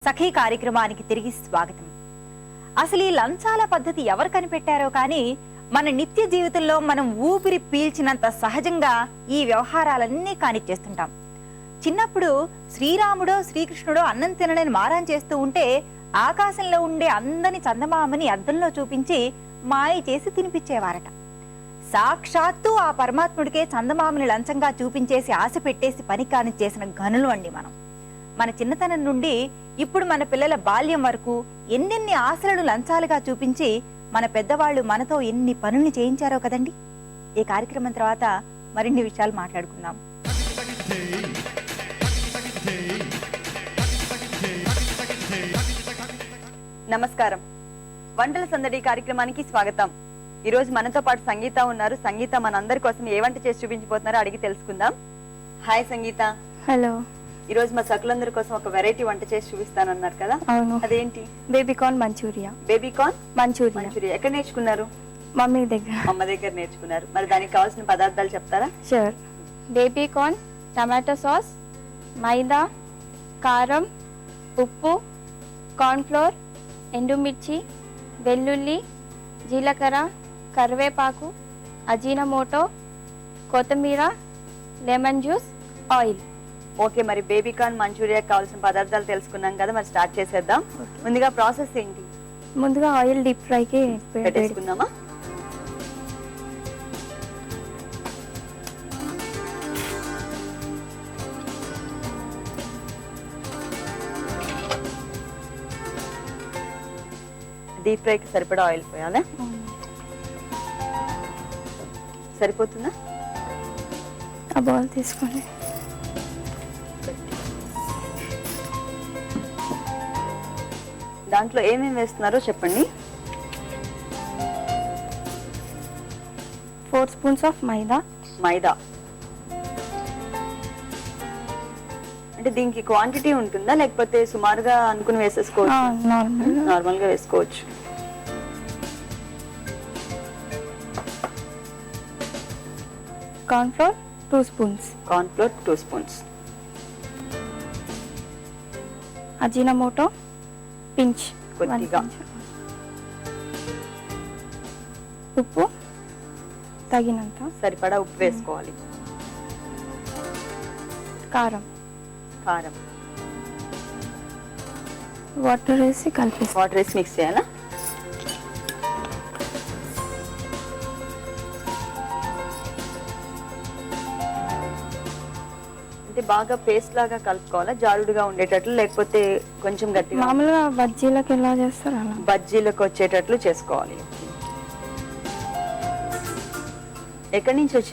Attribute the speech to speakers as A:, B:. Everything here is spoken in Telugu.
A: సఖీ కార్యక్రమానికి తిరిగి స్వాగతం. అసలు ఈ లంచాల పద్ధతి ఎవరు కనిపెట్టారో కానీ మన నిత్య జీవితంలో మనం ఊపిరి పీల్చినంత సహజంగా ఈ వ్యవహారాలన్నీ కానిచ్చేస్తుంటాం. చిన్నప్పుడు శ్రీరాముడో శ్రీకృష్ణుడో అన్నం తినలేని మారం చేస్తూ ఉంటే ఆకాశంలో ఉండే అందని చందమామని అద్దంలో చూపించి మాయ చేసి తినిపించేవారట. సాక్షాత్తు ఆ పరమాత్ముడికే చందమామని లంచంగా చూపించేసి ఆశ పెట్టేసి పని కానిచ్చేసిన ఘనులు అండి మనం. మన చిన్నతనం నుండి ఇప్పుడు మన పిల్లల బాల్యం వరకు ఎన్నెన్ని ఆశలను లంచాలుగా చూపించి మన పెద్దవాళ్లు మనతో ఎన్ని పనుల్ని చేయించారో కదండి. ఈ కార్యక్రమం తర్వాత మరిన్ని విషయాలు మాట్లాడుకుందాం. నమస్కారం, వంటల సందడి కార్యక్రమానికి స్వాగతం. ఈ రోజు మనతో పాటు సంగీత ఉన్నారు. సంగీత మనందరి కోసం ఏ వంట చేసి చూపించబోతున్నారో అడిగి తెలుసుకుందాం. హాయ్ సంగీత.
B: హలో.
A: ఈ రోజు మా సకులందరి కోసం ఒక వెరైటీ వంట చేసి చూపిస్తానన్నారు కదా, అదేంటి?
B: Baby corn manchurian.
A: Baby corn
B: manchurian
A: ఎక్కడ నేర్చుకున్నారు?
B: మమ్మీ దగ్గర.
A: అమ్మ దగ్గర నేర్చుకున్నారు. మరి దానికి కావాల్సిన పదార్థాలు చెప్తారా?
B: Sure. Baby corn, tomato sauce, maida, కారం, ఉప్పు, కార్న్ ఫ్లోర్, ఎండుమిర్చి, వెల్లుల్లి, జీలకర్ర, కరివేపాకు, అజీనమోటో, కొత్తిమీర, లెమన్ జ్యూస్, ఆయిల్.
A: ఓకే, మరి బేబీ కార్న్ మంచూరియా కావాల్సిన పదార్థాలు తెలుసుకున్నాం కదా, మరి స్టార్ట్ చేసేద్దాం. ముందుగా ప్రాసెస్ ఏంటి?
B: ముందుగా ఆయిల్ డీప్ ఫ్రైకి
A: పెట్టేసుకుందామా? డీప్ ఫ్రైకి సరిపడా ఆయిల్ పోయాలా? సరిపోతుందా?
B: ఆ బౌల్ తీసుకోండి.
A: దాంట్లో ఏమేమి వేస్తున్నారో చెప్పండి.
B: 4 స్పూన్స్ ఆఫ్ మైదా.
A: అంటే దీనికి క్వాంటిటీ ఉంటుందా లేకపోతే సుమారుగా అనుకుని వేసేసుకోవచ్చు? నార్మల్ గా వేసుకోవచ్చు.
B: Corn flour 2 spoons. Ajinomoto pinch
A: కొద్దిగా.
B: ఉప్పు తగినంత,
A: సరిపడా ఉప్పు వేసుకోవాలి.
B: కారం, వాటర్ వేసి
A: మిక్స్ చేయాలా? అంటే బాగా పేస్ట్ లాగా కలుపుకోవాలా, జారుడుగా ఉండేటట్లు, లేకపోతే కొంచెం గట్టిగా?
B: మామూలుగా బజ్జీలకు ఎలా చేస్తారు అలా
A: బజ్జీలకు వచ్చేటట్లు చేసుకోవాలి. ఎక్కడి నుంచి